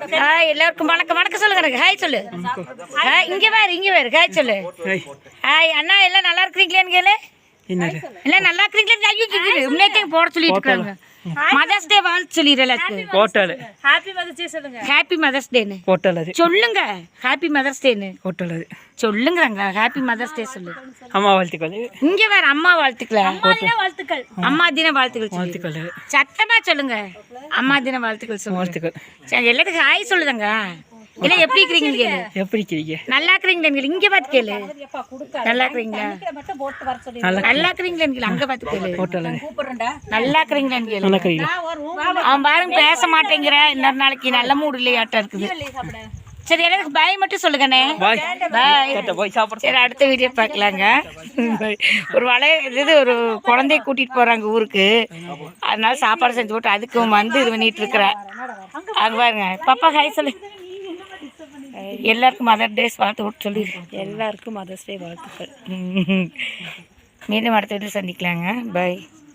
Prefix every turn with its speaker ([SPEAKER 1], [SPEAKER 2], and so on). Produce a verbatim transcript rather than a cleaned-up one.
[SPEAKER 1] Hi எல்லாருக்கும் வணக்கம் வணக்கம் சொல்லுங்க எனக்கு ஹாய் சொல்லு. ஹாய் இங்கே வேறு இங்கே வேறு ஹாய் சொல்லு. ஹாய் அண்ணா எல்லாம் நல்லா இருக்கிறீங்களேன்னு கேளு. எல்லாம் நல்லா இருக்கிறீங்களேன்னு ஐயோ முன்னேற்ற போட சொல்லிட்டு இருக்காங்க. மதர்ஸ் டே வாழ்த்து சொல்லிடுற எல்லாத்துக்கும்.
[SPEAKER 2] போட்டல்
[SPEAKER 1] ஹாப்பி மதர்ஸ் டே சொல்லுங்க. ஹாப்பி மதர்ஸ் டேன்னு
[SPEAKER 2] போட்டல் அது
[SPEAKER 1] சொல்லுங்க. ஹாப்பி மதர்ஸ் டேன்னு
[SPEAKER 2] போட்டல் அது
[SPEAKER 1] சொல்லுங்கிறாங்க. ஹாப்பி மதர்ஸ் டே சொல்லு.
[SPEAKER 2] அம்மா வாழ்த்துக்கள்.
[SPEAKER 1] இங்க வேற அம்மா வாழ்த்துக்கள்.
[SPEAKER 3] வாழ்த்துக்கள்.
[SPEAKER 1] அம்மா தின வாழ்த்துக்கள்
[SPEAKER 2] வாழ்த்துக்கள்.
[SPEAKER 1] சத்தமா சொல்லுங்க. அம்மா தின வாழ்த்துக்கள் சொல்லுங்க.
[SPEAKER 2] வாழ்த்துக்கள்.
[SPEAKER 1] சரி எல்லாத்துக்கும் ஹாய் சொல்லுதாங்க. இல்லை எப்படி இருக்கிறீங்க கேளு.
[SPEAKER 2] எப்படி இருக்கிறீங்க?
[SPEAKER 1] நல்லா இருக்கிறீங்களா இங்க பார்த்து கேளு. நல்லா இருக்கிறீங்களா நல்லா இருக்கிறீங்களான்னு கேளு. அங்க பார்த்து கேளு. நல்லா இருக்கிறீங்களான்னு கேளு. அவன் பாருங்க பேச மாட்டேங்கிற. இன்னொரு நாளைக்கு நல்ல மூடு இல்லையாட்டம் இருக்குது. சரி எல்லாத்துக்கும் பாய் மட்டும் சொல்லுங்கண்ணே. பாய். சரி அடுத்த வீடியோ பார்க்கலாங்க. ஒரு வளைய இது ஒரு குழந்தைய கூட்டிட்டு போறாங்க ஊருக்கு. அதனால சாப்பாடு செஞ்சு போட்டு அதுக்கும் வந்து இது பண்ணிட்டு இருக்கிறேன். அங்க பாருங்க பாப்பா ஹாய் சொல்லு. எல்லாருக்கும் மதர் டேஸ் வாழ்த்து விட்டு சொல்லி.
[SPEAKER 3] எல்லாருக்கும் மதர்ஸ் டே வாழ்த்துக்கள்.
[SPEAKER 1] மீண்டும் அடுத்த வீட்டில் சந்திக்கலாங்க. பாய்.